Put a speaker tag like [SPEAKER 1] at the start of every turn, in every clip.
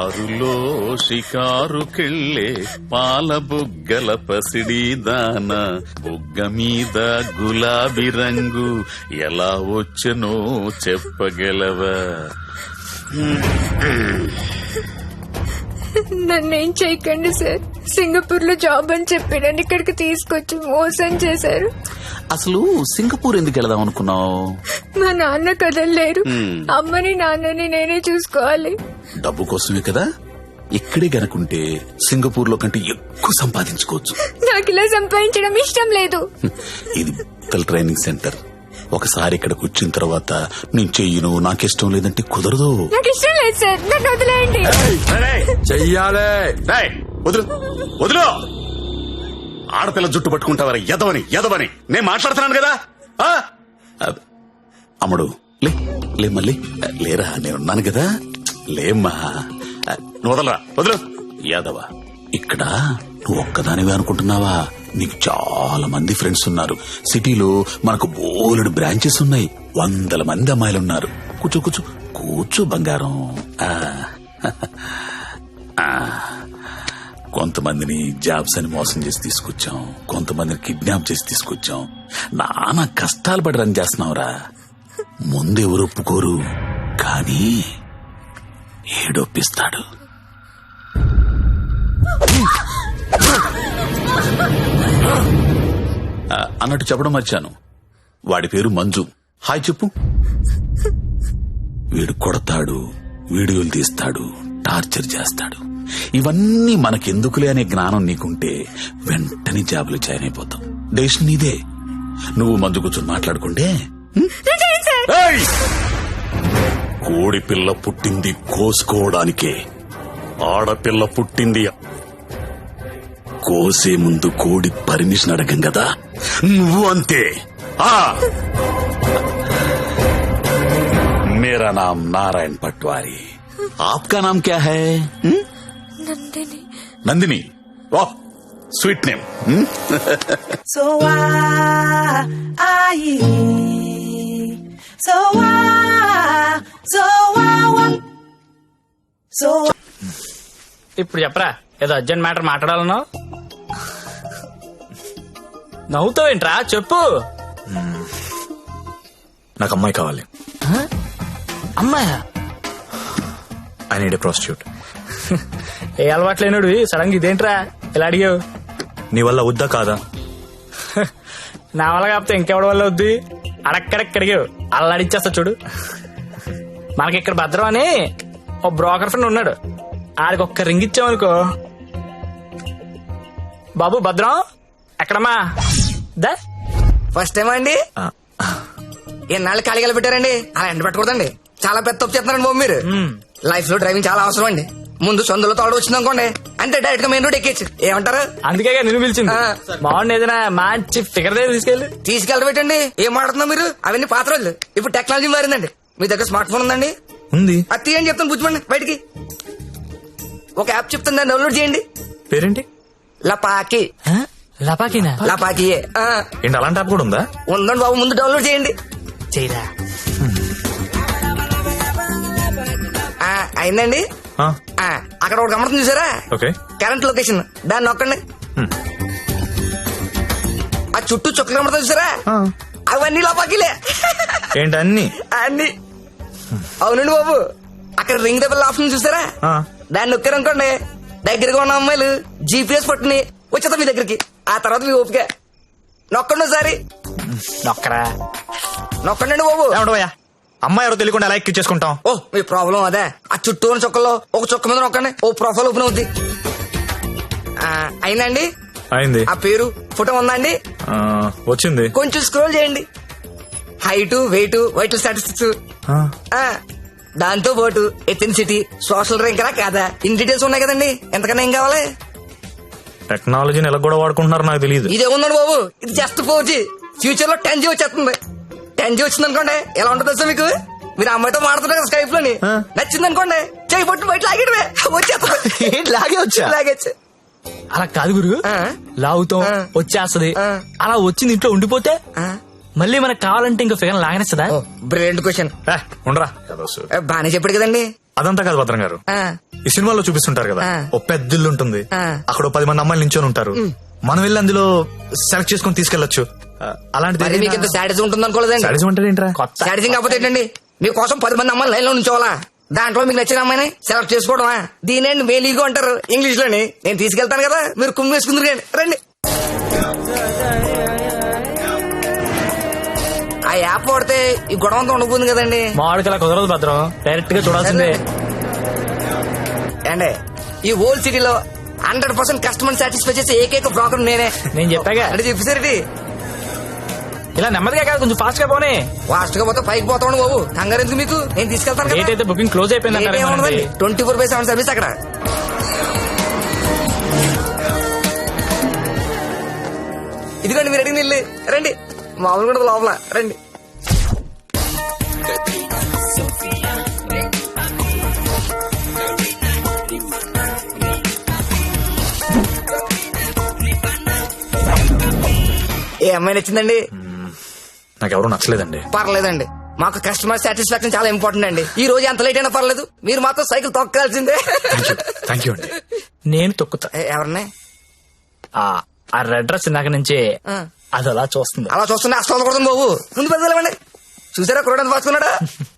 [SPEAKER 1] కారులో షికారుకెళ్ళే పాల బుగ్గల పసిడి దాన బుగ్గ మీద గులాబీ రంగు ఎలా వచ్చనో చెప్పగలవా?
[SPEAKER 2] నన్నేం చేయకండి సార్. సింగపూర్ లో జాబ్ అని చెప్పి నన్ను ఇక్కడికి తీసుకొచ్చి మోసం చేశారు.
[SPEAKER 1] అసలు సింగపూర్ ఎందుకు వెళదాం అనుకున్నావు?
[SPEAKER 2] మా నాన్న కదలలేరు. అమ్మని నాన్నని నేనే చూసుకోవాలి.
[SPEAKER 1] డబ్బు కోసమే కదా. ఇక్కడే గనుకుంటే సింగపూర్ లో కంటే ఎక్కువ సంపాదించుకోవచ్చు.
[SPEAKER 2] నాకు ఇలా సంపాదించడం ఇష్టం లేదు.
[SPEAKER 1] ఇది ట్రైనింగ్ సెంటర్. ఒకసారి ఇక్కడికి వచ్చిన తర్వాత నేను చెయ్యను, నాకిష్టం లేదంటే కుదరదు.
[SPEAKER 2] నాకు ఇష్టం లేదు సార్, నన్ను వదిలేయండి.
[SPEAKER 3] చెయ్యాలే.
[SPEAKER 1] వదులు వదులు. ఆడపిల్ల జుట్టు పట్టుకుంటావరా? ఎదవని ఎదవని నేను మాట్లాడుతున్నాను కదా. అమ్ముడు లే మళ్ళీ లేరా, నేనున్నాను కదా. లేమ్మా, నువ్వు వదలరా, వదులు. యాదవ, ఇక్కడ నువ్వు ఒక్కదానివే అనుకుంటున్నావా? నీకు చాలా మంది ఫ్రెండ్స్ ఉన్నారు. సిటీలో మనకు బోలెడు బ్రాంచెస్ ఉన్నాయి. 100 మంది అమ్మాయిలున్నారు. కూర్చో కూర్చో కూర్చో బంగారం. కొంతమందిని జాబ్స్ అని మోసం చేసి తీసుకొచ్చాం, కొంతమందిని కిడ్నాప్ చేసి తీసుకొచ్చాం. నానా కష్టాలు పడి రన్ చేస్తున్నావురా. ముందెవరు ఒప్పుకోరు, కానీ ఏడొప్పిస్తాడు. అన్నట్టు చెప్పడం మర్చాను, వాడి పేరు మంజు. హాయ్ చెప్పు. వీడు కొడతాడు, వీడియోలు తీస్తాడు, టార్చర్ చేస్తాడు. ఇవన్నీ మనకెందుకులే అనే జ్ఞానం నీకుంటే వెంటనే జాబులు జాయిన్ అయిపోతాం. డెసిషన్ నీదే. నువ్వు మంజు కూర్చొని మాట్లాడుకుంటే. కోడి పిల్ల పుట్టింది కోసుకోవడానికే, ఆడపిల్ల పుట్టింది కోసే ముందు కోడి పర్మిషన్ అడగం కదా. నువ్వు అంతే. मेरा नाम नारायण पटवारी, आपका नाम क्या है?
[SPEAKER 2] నందిని.
[SPEAKER 1] नंदिनी, वाह स्वीट नेम.
[SPEAKER 4] ఇప్పుడు చెప్పరా, ఏదో అర్జెంట్ మ్యాటర్ మాట్లాడాలనో. నవ్వుతావేంట్రా, చెప్పు.
[SPEAKER 3] నాకు అమ్మాయి కావాలి.
[SPEAKER 4] అమ్మాయా?
[SPEAKER 3] I need a prostitute.
[SPEAKER 4] ఏ అలవాట్లేనుడు సడన్ గా ఇదేంట్రా ఇలా అడిగావు?
[SPEAKER 3] నీ వల్ల వద్దా కాదా?
[SPEAKER 4] నా వల్ల కాకపోతే ఇంకెవడి వల్ల వద్దు. అడక్కడక్క అడిగావు, అలా అడిచేస్తా చూడు. మనకి ఇక్కడ భద్రం అని ఓ బ్రోకర్ ఫ్రెండ్ ఉన్నాడు. ఆడికి ఒక్క రింగ్ ఇచ్చామనుకో. బాబు భద్రం ఎక్కడమ్మా? దా.
[SPEAKER 5] ఫస్ట్ టైం అండి? ఎన్నాళ్ళు ఖాళీగా పెట్టారండి? అలా ఎండ పెట్టకూడదండి. చాలా పెద్ద తప్పు చేస్తున్నారండి బాబు మీరు. లైఫ్ లో డ్రైవింగ్ చాలా అవసరం అండి. ముందు సొందులో తోడు వచ్చింది అనుకోండి, అంతే డైరెక్ట్ గా మెయిన్ రోడ్ ఎక్కేచ్చు. ఏమంటారు?
[SPEAKER 4] అందుకే నిన్ను పిలిచింది. బాగుంది, ఏదైనా మంచి ఫిగర్ దగ్గర
[SPEAKER 5] తీసుకెళ్ళి పెట్టండి. ఏం మాట్లాడుతున్నా మీరు? అవన్నీ పాత రోజులు. ఇప్పుడు టెక్నాలజీ మారిందండి. మీ దగ్గర స్మార్ట్ ఫోన్ ఉందండి?
[SPEAKER 3] ఉంది.
[SPEAKER 5] అది తీయండి, చెప్తాను కూర్చోండి. బయటికి ఒక యాప్ చెప్తుంది, దాన్ని డౌన్లోడ్ చేయండి.
[SPEAKER 3] పేరేంటి?
[SPEAKER 5] లపాకి.
[SPEAKER 4] లపాకినా?
[SPEAKER 5] లపాకియే.
[SPEAKER 3] ఏంటి అలాంటి యాప్ కూడా ఉందా?
[SPEAKER 5] ఉందండి బాబు, ముందు డౌన్లోడ్ చేయండి.
[SPEAKER 4] చేయరా.
[SPEAKER 5] అయిందండి. అక్కడ ఒక గమనం చూసారా?
[SPEAKER 3] ఓకే.
[SPEAKER 5] కరెంట్ లొకేషన్, దాన్ని నొక్కండి. ఆ చుట్టూ చుక్కలు కమడతా చూసారా? అవన్నీ లోపాకిలే.
[SPEAKER 3] ఏంటి అన్ని?
[SPEAKER 5] అన్ని. అవునండి బాబు, అక్కడ రింగ్ ద బెల్ ఆప్షన్ చూసారా? దాన్ని నొక్కారనుకోండి, దగ్గరగా ఉన్న అమ్మాయిలు జీపీఎస్ పట్టుని వచ్చేద్దాం మీ దగ్గరికి. ఆ తర్వాత మీ ఓపిక. నొక్కండి ఒకసారి.
[SPEAKER 4] నొక్కరా.
[SPEAKER 5] నొక్కండి బాబు.
[SPEAKER 3] అమ్మాయి ఎవరో తెలియకుండా ఎలా ఎక్కించేసుకుంటాం?
[SPEAKER 5] ఓ మీ ప్రాబ్లం అదే. ఆ చుట్టూ ఉన్న చుక్కల్లో ఒక చుక్క మీద నొక్కండి, ఓ ప్రొఫైల్ ఓపెన్ అవుద్ది. అయిందండి?
[SPEAKER 3] అయింది.
[SPEAKER 5] ఆ పేరు ఫోటో ఉందా అండి?
[SPEAKER 3] వచ్చింది.
[SPEAKER 5] కొంచెం స్క్రోల్ చేయండి. హైట్, వెయిట్, వైటల్ స్టాటిస్టిక్స్, దాంతో పాటు ఎథెన్సిటీ, సోషల్ ర్యాంక్ కాదా, ఇన్ డీటెయిల్స్ ఉన్నాయి కదండి. ఎంతకన్నా ఏం కావాలి?
[SPEAKER 3] టెక్నాలజీని ఎలా కూడా వాడుకుంటున్నారు నాకు తెలియదు.
[SPEAKER 5] ఇదే ఉందండి బాబు, ఇది జస్ట్ 4G. ఫ్యూచర్ లో 10G వచ్చేస్తుంది. 10G వచ్చింది అనుకోండి, ఎలా ఉంటుంది సార్ మీకు? మీరు అమ్మాయితో మాడుతున్నారు కదా స్కైప్ లోని, నచ్చింది అనుకోండి, చేయి పట్టు బయట లాగేయడమే, వచ్చేస్తుంది.
[SPEAKER 3] లాగే వచ్చా?
[SPEAKER 5] లాగేచ్చు.
[SPEAKER 4] అలా కాదు గురు, లాగుతాం వచ్చేస్తది. అలా వచ్చింది ఇంట్లో ఉండిపోతే మళ్ళీ మనకు కావాలంటే ఇంకా ఫిగర్ లాగనేస్తుందా?
[SPEAKER 5] Brilliant question.
[SPEAKER 3] ఉండరా,
[SPEAKER 5] బానే చెప్పాడు కదండి.
[SPEAKER 3] అదంతా కాదు భద్రం గారు,
[SPEAKER 5] ఆ,
[SPEAKER 3] ఈ సినిమాలో చూపిస్తుంటారు కదా,
[SPEAKER 5] ఆ.
[SPEAKER 3] ఓ పెద్ద ఇల్లు ఉంటుంది,
[SPEAKER 5] ఆ.
[SPEAKER 3] అక్కడ ఓ 10 మంది అమ్మాయిలు నించొని ఉంటారు, మనం వెళ్ళి అందులో సెలెక్ట్ చేసుకుని తీసుకెళ్లొచ్చు.
[SPEAKER 5] మరి మీకు ఇంత శాడిజం ఉంటుంది అనుకోలేదండి.
[SPEAKER 3] సాడిజం అంటే ఏంట్రా?
[SPEAKER 4] కొత్త
[SPEAKER 5] శాడిజం కాకపోతే ఏంటండి, మీకోసం 10 మంది అమ్మాయిలు లైన్ లో ఉంచోవాలా, దాంట్లో మీకు నచ్చిన అమ్మాయిని సెలెక్ట్ చేసుకోవడమా? దీనేండి మేలీగో అంటారు ఇంగ్లీష్ లోని. నేను తీసుకెళ్తాను కదా, మీరు కుమ్మి వేసుకుందరు రండి. ఆ యాప్ వాడితే ఈ గొడవ అంతా ఉండబోతుంది కదండి.
[SPEAKER 4] మామిడికి కుదరదు భద్రం, డైరెక్ట్ గా చూడాల్సిందే.
[SPEAKER 5] అండి ఈ హోల్ సిటీలో 100% కస్టమర్ సాటిస్ఫై చేసే ఏకైక బ్రోకర్ నేనే.
[SPEAKER 4] నేను చెప్పాగా
[SPEAKER 5] అంటే చెప్పేసరికి
[SPEAKER 4] ఇలా నెమ్మదిగా కాదు, కొంచెం ఫాస్ట్ గా పోనీ.
[SPEAKER 5] ఫాస్ట్ గా పోతే పైకి పోతాను బాబు, కంగారు ఎందుకు మీకు, నేను తీసుకెళ్తాను
[SPEAKER 4] డేట్
[SPEAKER 5] కదా.
[SPEAKER 4] అయితే బుకింగ్ క్లోజ్ అయిపోయింది అంటారు.
[SPEAKER 5] 24/7 సర్వీస్ అక్కడ. ఇదిగోండి మీరు అడిగిన ఇల్లు, రండి. మామూలు కూడా లోపల రండి. ఏ అమ్మాయి నచ్చిందండి?
[SPEAKER 3] నాకెవరూ నచ్చలేదండి.
[SPEAKER 5] పర్లేదండి, మాకు కస్టమర్ సాటిస్ఫాక్షన్ చాలా ఇంపార్టెంట్ అండి. ఈ రోజు ఎంత లేట్ అయినా పర్లేదు, మీరు మాత్రం సైకిల్ తొక్కాల్సిందే.
[SPEAKER 3] థ్యాంక్ యూ అండి.
[SPEAKER 4] నేను తొక్కుతా.
[SPEAKER 5] ఎవరిని?
[SPEAKER 4] ఆ రెడ్ డ్రెస్ ఇందాక నుంచి
[SPEAKER 5] ఆ.
[SPEAKER 4] అది అలా చూస్తుంది.
[SPEAKER 5] అలా చూస్తుండే అస్తం కొడుతుంది బాబు, ముందు పెద్దలేమండి. చూసారా కురడానికి పాసుకున్నాడా?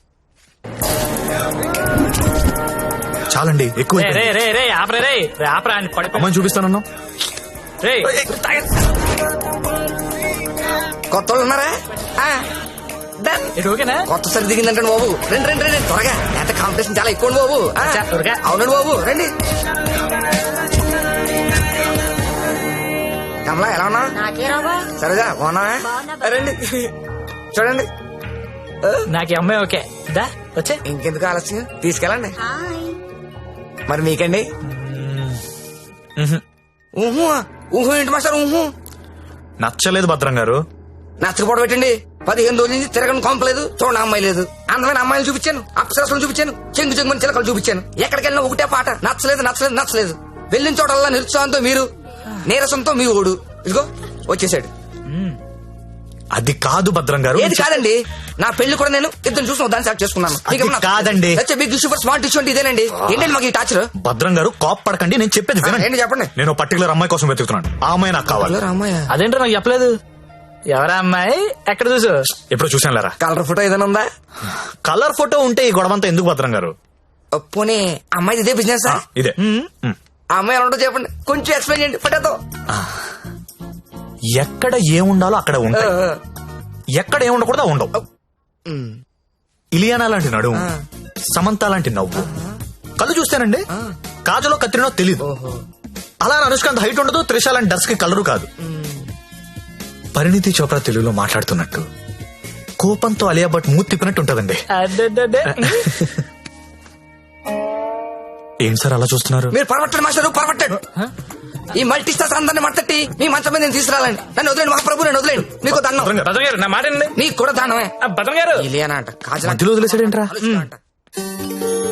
[SPEAKER 3] చాలండి, ఎక్కువ
[SPEAKER 4] రే రే రే రే ఆపరే రే రే ఆపరా అని పడిపో.
[SPEAKER 3] అమ్మాయిని చూపిస్తానన్నా.
[SPEAKER 4] రే
[SPEAKER 5] కొత్త వాళ్ళు ఉన్నారా? ఆ, done.
[SPEAKER 4] ఇటు ఓకేనా?
[SPEAKER 5] కొత్త సరి దిగిందంటే బాబు, రండి రండి రండి త్వరగా, ఎంత కాంపిటీషన్ చాలా ఎక్కువ బాబు. ఆ,
[SPEAKER 4] అచ్చా, త్వరగా.
[SPEAKER 5] అవునండి బాబు, రండి. కమలా ఎలా ఉన్నా? సరేగా బాగున్నా? రండి చూడండి.
[SPEAKER 4] నాకు ఈ అమ్మాయి ఓకే. దా వచ్చే.
[SPEAKER 5] ఇంకెందుకు ఆలస్యం, తీసుకెళ్ళండి. మరి మీకండి? ఊహు ఊహు ఏంటి మాస్టర్ ఊహు?
[SPEAKER 3] నచ్చలేదు భద్రం గారు.
[SPEAKER 5] నచ్చకపోవడం పెట్టండి. 15 రోజుల నుంచి తిరగని కొంపలేదు, చూడండి అమ్మాయి లేదు. అందమైన అమ్మాయిలు చూపించాను, అప్సరసలు చూపించాను, చెంగు చెంగుని చిలకలు చూపించాను. ఎక్కడికి వెళ్ళినా ఒకటే పాట, నచ్చలేదు నచ్చలేదు నచ్చలేదు. వెళ్ళిన చోటల్లా నిరుత్సాహంతో మీరు, నీరసంతో మీ ఓడు. ఇదిగో వచ్చేసాడు.
[SPEAKER 3] అది కాదు భద్రం గారు.
[SPEAKER 5] ఏది కాదండి, నా పెళ్లి కూడా నేను ఇద్దరు చూసిన దాన్ని సెలెక్ట్ చేసుకున్నాను.
[SPEAKER 3] అది కాదండి.
[SPEAKER 5] బిగ్ సూపర్ స్మార్ట్ ఇష్యూ అంటే ఇదేనండి. ఏంటండి మాకు ఈ టాచర్?
[SPEAKER 3] భద్రం గారు కాప్ పడకండి, నేను చెప్పేది వినండి.
[SPEAKER 5] ఏంటి చెప్పండి.
[SPEAKER 3] నేను పర్టికులర్ అమ్మాయి కోసం వెతుకుతున్నాను, ఆ అమ్మాయి నాకు కావాలి.
[SPEAKER 5] అమ్మాయి
[SPEAKER 4] అదేంటో నాకు చెప్పలేదు. ఎవరా అమ్మాయి? ఎక్కడ చూసు?
[SPEAKER 3] ఎప్పుడు చూసాను లేరా.
[SPEAKER 5] కలర్ ఫోటో ఏదైనా ఉందా?
[SPEAKER 3] కలర్ ఫోటో ఉంటే ఈ గొడవంతా ఎందుకు భద్రం గారు?
[SPEAKER 5] పోనీ అమ్మాయి ఇదే బిజినెస్?
[SPEAKER 3] ఇదే.
[SPEAKER 5] ఆ అమ్మాయి ఎలా ఉంటుందో చెప్పండి, కొంచెం ఎక్స్ప్లెయిన్ చేయండి ఫోటోతో.
[SPEAKER 3] ఎక్కడ ఏముండాలో అక్కడ ఉంటాయి, ఎక్కడ ఏముండకూడదు ఉండవు. ఇలియానా లాంటి నడుము, సమంత లాంటి నవ్వు, కళ్ళు చూస్తానండి కాజలో కత్తిరినో తెలీదు. అలా అనుష్కాంత్ హైట్ ఉండదు, త్రిష లాంటి డర్స్ కి కలరు కాదు. పరిణితి చోప్రా తెలుగులో మాట్లాడుతున్నట్టు, కోపంతో అలియా భట్ మూతి తిప్పినట్టు ఉంటదండి.
[SPEAKER 4] అడ్డడ్డడ్డే.
[SPEAKER 3] ఏం సార్ అలా చూస్తున్నారు?
[SPEAKER 5] మీరు పరమట్టండి మాస్టర్, పరమట్టండి. ఈ మల్టీ స్టార్స్ అందరిని మట్టట్టి మీ మంచం మీద నేను తీసుకురాలండి. నన్ను వదిలేండి మహాప్రభు, నన్ను వదిలేండి. మీకు దండం.
[SPEAKER 4] భద్రం గారు నా మాట వినండి.
[SPEAKER 5] నీకు కూడా దానమే.
[SPEAKER 4] భద్రం గారు
[SPEAKER 5] ఇలియానా అంట, కాజల్
[SPEAKER 3] మధ్యలో వదిలేసాడేంట్రా?
[SPEAKER 5] అంట.